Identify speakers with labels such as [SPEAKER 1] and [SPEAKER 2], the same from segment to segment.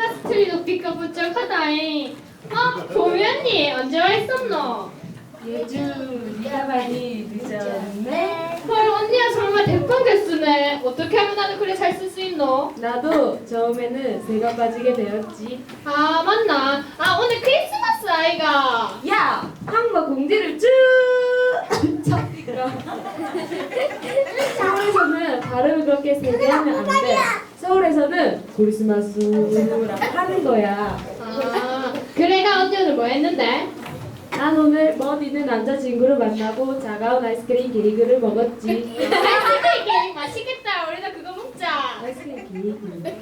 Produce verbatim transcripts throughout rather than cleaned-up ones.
[SPEAKER 1] 크리스마스 트리 높이가 부쩍하다잉. 어? 보미 언니 언제 와 있었노?
[SPEAKER 2] 예주, 네가 많이 늦었네.
[SPEAKER 1] 헐 언니야 정말 대빵 개쓰네. 어떻게 하면 나도 그래 잘 쓸 수 있노?
[SPEAKER 2] 나도 처음에는 새가 빠지게 되었지.
[SPEAKER 1] 아 맞나? 아 오늘 크리스마스 아이가.
[SPEAKER 2] 야! 항마 공지를 쭉! 잡히가. 서울에서는 발음을 그렇게 세게 하면 안 돼. 서울에서는 크리스마스라고 하는 거야.
[SPEAKER 1] 아 그래가 언니 오늘 뭐 했는데?
[SPEAKER 2] 난 오늘 먼 있는 남자친구를 만나고 차가운 아이스크림 케이크를 먹었지.
[SPEAKER 1] 아이스크림 케이크 맛있겠다. 우리도 그거 먹자.
[SPEAKER 2] 아이스크림 케이크.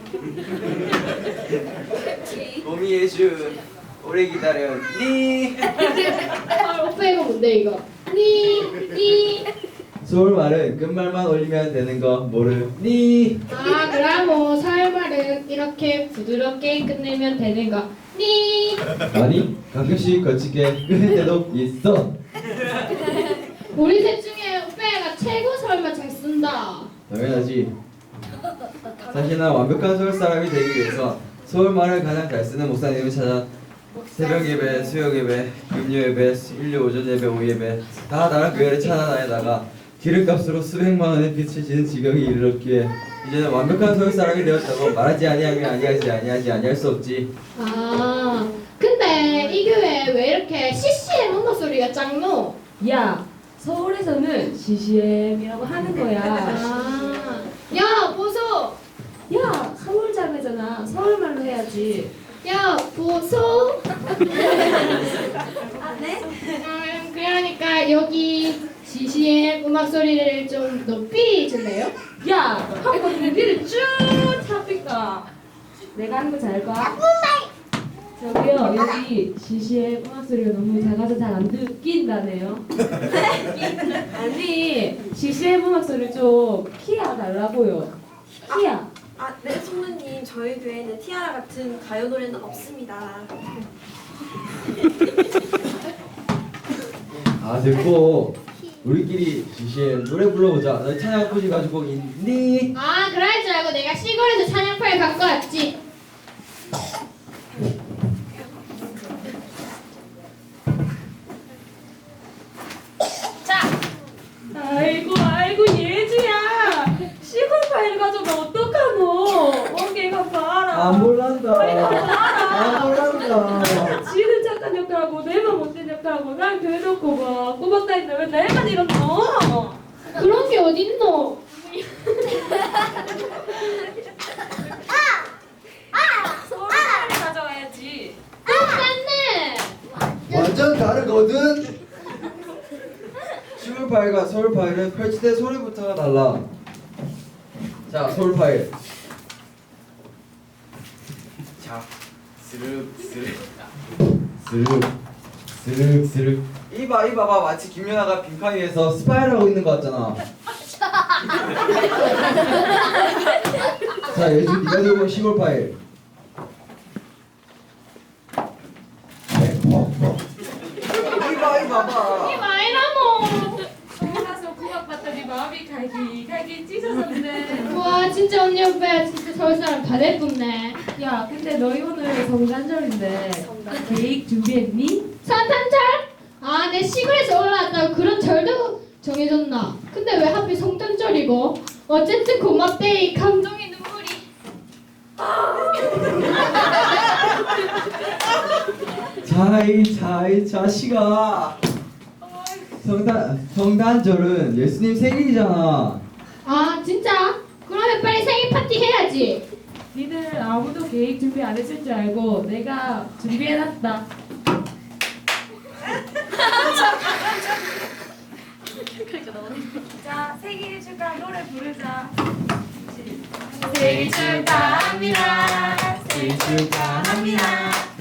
[SPEAKER 3] 봄이 예주 오래 기다렸니?
[SPEAKER 1] 헐 오빠 이거 뭔데 이거? 니, 니.
[SPEAKER 3] 서울말은 끝말만 올리면 되는 거 모르니?
[SPEAKER 1] 아 그럼 뭐 서울말은 이렇게 부드럽게 끝내면 되는 거. 니.
[SPEAKER 3] 아니 가끔씩 거칠게 끊을 때도 있어.
[SPEAKER 1] 우리 셋 중에 오빠가 최고 서울말 잘 쓴다.
[SPEAKER 3] 당연하지. 사실 난 완벽한 서울 사람이 되기 위해서 서울말을 가장 잘 쓰는 목사님을 찾아 새벽 예배, 수요 예배, 금요 예배, 일요 오전 예배, 오후 예배 다 나랑 교회를 찾아다니다가 기름값으로 수백만 원의 빚을 지는 지경에 이르렀기에 이제는 완벽한 서울 사람이 되었다고 말하지 아니하면 아니하지 아니하지 아니할 수 없지.
[SPEAKER 1] 아 근데 이 교회 왜 이렇게 씨씨엠 음악 소리가 짱노?
[SPEAKER 2] 야! 서울에서는 씨씨엠이라고 하는 거야.
[SPEAKER 1] 아, 야 보소.
[SPEAKER 2] 야! 서울 자매잖아. 서울말로 해야지.
[SPEAKER 1] 야 보소.
[SPEAKER 4] 아, 네?
[SPEAKER 1] 음, 그러니까 여기 씨씨엠 음악 소리를 좀 높이 줄래요?
[SPEAKER 2] 야! 한번 공지를 쭉 잡히까. 내가 하는 거 잘 봐. 저기요, 여기 씨씨엠 음악 소리가 너무 작아서 잘 안 듣긴다네요. 아니, 씨씨엠 음악 소리 좀 키야 달라고요. 키야.
[SPEAKER 4] 아, 네, 성모님. 저희 교회는 티아라 같은 가요 노래는 없습니다.
[SPEAKER 3] 아 됐고 우리끼리 지시에 노래 불러보자. 너 찬양 꾸지 가지고 있니?
[SPEAKER 1] 아 그럴 줄 알고 내가 시골에서 찬양파를 갖고 왔지. 자
[SPEAKER 2] 아이고, 아이고, 예주야. 시골 파일 가져가 어떡하노? 어깨가 봐라.
[SPEAKER 3] 안 몰란다. 안 몰란다.
[SPEAKER 2] 지는 착한 역할하고 내만 못된 역할하고 난 교회 놓고 봐. 꼬박다 했는데 왜 내만 이러노?
[SPEAKER 1] 그런 게 어딨노?
[SPEAKER 2] 서울 파일 가져와야지.
[SPEAKER 1] 똑같네.
[SPEAKER 3] 완전 다르거든. 시골 파일과 서울 파일은 펼칠 때 소리부터가 달라. 자, 서울 파일. 자, 스륵 스륵 스륵 스륵 스륵. 이봐 이봐봐 마치 김연아가 빈칸 위에서 스파이를 있는 거 같잖아. 자, 예주 네가 들고 온 시골 파일. 이봐 이봐봐.
[SPEAKER 1] 이 마이라모.
[SPEAKER 2] 서울 가서 구박받더니 마음이 갈기 갈기 찢어졌네.
[SPEAKER 1] 와 진짜 언니 오빠 진짜 서울 사람 다 예쁘네.
[SPEAKER 2] 야, 근데 너희 오늘 성탄절인데 계획 준비했니?
[SPEAKER 1] 성탄절? 아, 내 시골에서 올라왔다고 그런 절도 정해졌나? 근데 왜 하필 성탄절이고? 어쨌든 고맙대 이 감동의 눈물이.
[SPEAKER 3] 자이 자이 자식아. 성단 성단절은 예수님 생일이잖아.
[SPEAKER 1] 아 진짜? 그러면 빨리 생일 파티 해야지.
[SPEAKER 2] 니들 아무도 계획 준비 안 했을 줄 알고 내가 준비해놨다. 자, 생일 축하 노래 부르자. 생일 축하합니다.
[SPEAKER 3] 생일 축하합니다.